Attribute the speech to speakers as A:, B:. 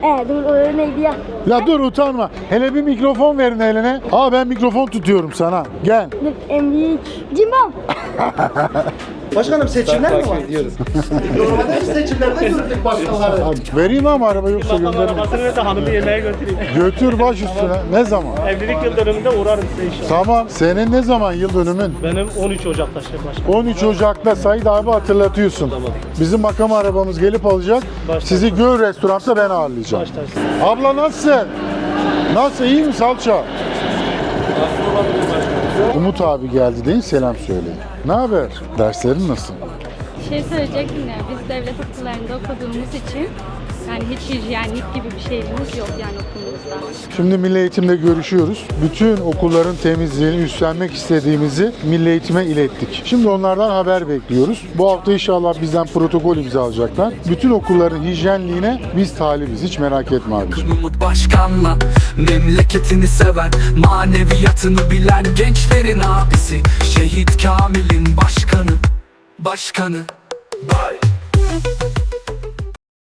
A: Dur o neydi ya?
B: Ya dur utanma. Hele bir mikrofon verin eline. Ben mikrofon tutuyorum sana. Gel.
A: Dur en büyük. Cimbom.
C: Başkanım seçimler mi var? Normalde biz seçimlerde gördük başkanları.
B: Vereyim ama araba yoksa
D: Makam
B: gönderirim.
D: arabasını ve de hanımı yemeğe götüreyim.
B: Götür baş üstüne. Ne zaman?
D: Evlilik yıl dönümünde uğrarım size inşallah.
B: Tamam. Senin ne zaman yıl dönümün?
D: Benim 13 Ocak'ta başkanım.
B: 13 Ocak'ta Said abi hatırlatıyorsun.
D: Tamam.
B: Bizim makam arabamız gelip alacak.
D: Baş
B: Sizi Göl Restorant'ta ben ağırlayacağım.
D: Baştarsın.
B: Abla nasılsın? Nasıl? İyi mi salça? Umut abi geldi değil mi? Selam söyleyin. Ne haber? Derslerin nasıl?
E: Bir şey söyleyecektim ya, biz devlet okullarında okuduğumuz için yani hiç hijyenlik gibi bir şeyimiz yok yani okulumuzda.
B: Şimdi Milli Eğitim'de görüşüyoruz. Bütün okulların temizliğini üstlenmek istediğimizi Milli Eğitim'e ilettik. Şimdi onlardan haber bekliyoruz. Bu hafta inşallah bizden protokol imzalayacaklar. Bütün okulların hijyenliğine biz talibiz. Hiç merak etme abiciğim.
F: Umut Başkan'la memleketini seven, maneviyatını bilen gençlerin abisi, Şehit Kamil'in başkanı. Başkanı. Bye.